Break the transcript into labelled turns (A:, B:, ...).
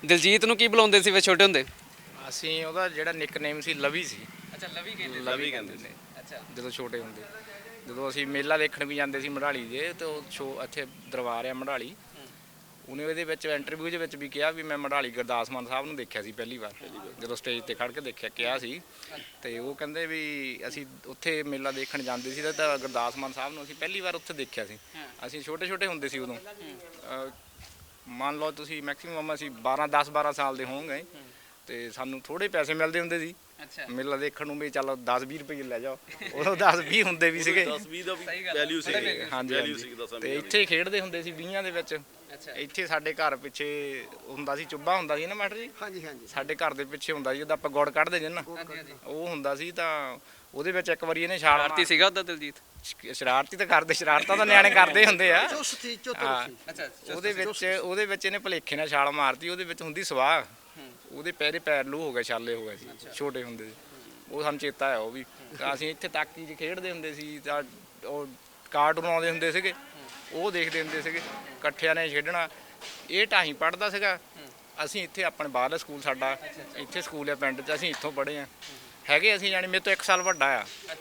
A: ਦਿਲਜੀਤ ਨੂੰ ਕੀ ਬੁਲਾਉਂਦੇ ਸੀ ਵੇ ਛੋਟੇ ਹੁੰਦੇ?
B: ਅਸੀਂ ਉਹਦਾ ਜਿਹੜਾ ਨਿਕਨੇਮ ਸੀ ਲਵੀ ਸੀ।
A: ਅੱਛਾ ਲਵੀ
B: ਲਵੀ ਕਹਿੰਦੇ ਨੇ
A: ਅੱਛਾ
B: ਜਦੋਂ ਛੋਟੇ ਹੁੰਦੇ। ਜਦੋਂ ਅਸੀਂ ਮੇਲਾ ਦੇਖਣ ਵੀ ਜਾਂਦੇ ਸੀ ਮੜਾਲੀ ਦੇ, ਤੇ ਉਹ ਸ਼ੋ ਇੱਥੇ ਦਰਬਾਰ ਆ ਮੜਾਲੀ, ਉਹਨੇ ਉਹਦੇ ਵਿੱਚ ਇੰਟਰਵਿਊ ਦੇ ਵਿੱਚ ਵੀ ਕਿਹਾ ਵੀ ਮੈਂ ਮੜਾਲੀ ਗੁਰਦਾਸ ਮਾਨ ਸਾਹਿਬ ਨੂੰ ਦੇਖਿਆ ਸੀ ਪਹਿਲੀ ਵਾਰ, ਜਦੋਂ ਸਟੇਜ ਤੇ ਖੜ੍ਹ ਕੇ ਦੇਖਿਆ ਕਿਹਾ ਸੀ। ਤੇ ਉਹ ਕਹਿੰਦੇ ਵੀ ਅਸੀਂ ਉੱਥੇ ਮੇਲਾ ਦੇਖਣ ਜਾਂਦੇ ਸੀ ਤਾਂ ਗੁਰਦਾਸ ਮਾਨ ਸਾਹਿਬ ਨੂੰ ਅਸੀਂ ਪਹਿਲੀ ਵਾਰ ਉੱਥੇ ਦੇਖਿਆ ਸੀ। ਅਸੀਂ ਛੋਟੇ ਛੋਟੇ ਹੁੰਦੇ ਸੀ ਉਦੋਂ, ਮੰਨ ਲਓ ਤੁਸੀਂ ਮੈਕਸਿਮਮ ਅਸੀਂ 10-12 ਸਾਲ ਦੇ ਹੋਵਾਂਗੇ, ਤੇ ਸਾਨੂੰ ਥੋੜੇ ਪੈਸੇ ਮਿਲਦੇ ਹੁੰਦੇ ਸੀ ਮੇਲਾ ਦੇਖਣ ਨੂੰ, ਵੀ ਚੱਲ 10-20 ਰੁਪਏ ਲੈ ਜਾਓ। ਉਦੋਂ 10-20 ਹੁੰਦੇ ਵੀ ਸੀਗੇ,
C: 10-20 ਦਾ ਵੀ ਵੈਲਿਊ ਸੀ।
B: ਹਾਂਜੀ। ਤੇ ਇੱਥੇ ਖੇਡਦੇ ਹੁੰਦੇ ਸੀ 20 ਦੇ ਵਿੱਚ। ਇੱਥੇ ਸਾਡੇ ਘਰ ਪਿੱਛੇ ਹੁੰਦਾ ਸੀ, ਚੁੱਬਾ ਹੁੰਦਾ ਸੀ ਨਾ ਮਾਸਟਰ ਜੀ।
D: ਹਾਂਜੀ ਹਾਂਜੀ।
B: ਸਾਡੇ ਘਰ ਦੇ ਪਿੱਛੇ ਹੁੰਦਾ ਸੀ, ਉਹਦਾ ਆਪਾਂ ਗੁੜ ਕੱਢਦੇ ਜੇ ਨਾ, ਉਹ ਹੁੰਦਾ ਸੀ। ਤਾਂ ਉਹਦੇ ਵਿੱਚ ਇੱਕ ਵਾਰੀ ਇਹਨੇ ਛਾਲ
A: ਆਰਤੀ ਸੀਗਾ ਉਹਦਾ ਦਿਲਜੀਤ?
B: ਸ਼ਰਾਰਤੀ ਤਾਂ ਕਰਦੇ, ਸ਼ਰਾਰਤਾਂ ਤਾਂ ਨਿਆਣੇ ਕਰਦੇ ਹੁੰਦੇ ਆ।
D: ਚੁਸਤੀ ਚਤੁਰ ਸੀ।
A: ਅੱਛਾ
B: ਉਹਦੇ ਵਿੱਚ ਇਹਨੇ ਭੁਲੇਖੇ ਨਾਲ ਛਾਲ ਮਾਰਤੀ, ਉਹਦੇ ਵਿੱਚ ਹੁੰਦੀ ਸਵਾਹ, ਉਹਦੇ ਪੈਰ ਲੂ ਹੋ ਗਏ, ਛਾਲੇ ਹੋ ਗਏ ਸੀ ਛੋਟੇ ਹੁੰਦੇ ਸੀ। ਉਹ ਸਾਨੂੰ ਚੇਤਾ ਹੈ ਉਹ ਵੀ। ਅਸੀਂ ਇੱਥੇ ਤਾਕੀ 'ਚ ਖੇਡਦੇ ਹੁੰਦੇ ਸੀ, ਤਾਂ ਉਹ ਕਾਰਟੂਨ ਆਉਂਦੇ ਹੁੰਦੇ ਸੀਗੇ, ਉਹ ਦੇਖਦੇ ਹੁੰਦੇ ਸੀਗੇ, ਇਕੱਠਿਆਂ ਨੇ ਖੇਡਣਾ। ਇਹ ਢਾਈ ਪੜ੍ਹਦਾ ਸੀਗਾ, ਅਸੀਂ ਇੱਥੇ ਆਪਣੇ ਬਾਹਰਲਾ ਸਕੂਲ, ਸਾਡਾ ਇੱਥੇ ਸਕੂਲ ਹੈ ਪਿੰਡ 'ਚ, ਅਸੀਂ ਇੱਥੋਂ ਪੜ੍ਹੇ ਹਾਂ। ਹੈਗੇ ਅਸੀਂ ਜਾਣੀ ਮੇਰੇ ਤੋਂ 1 ਸਾਲ ਵੱਡਾ ਆ,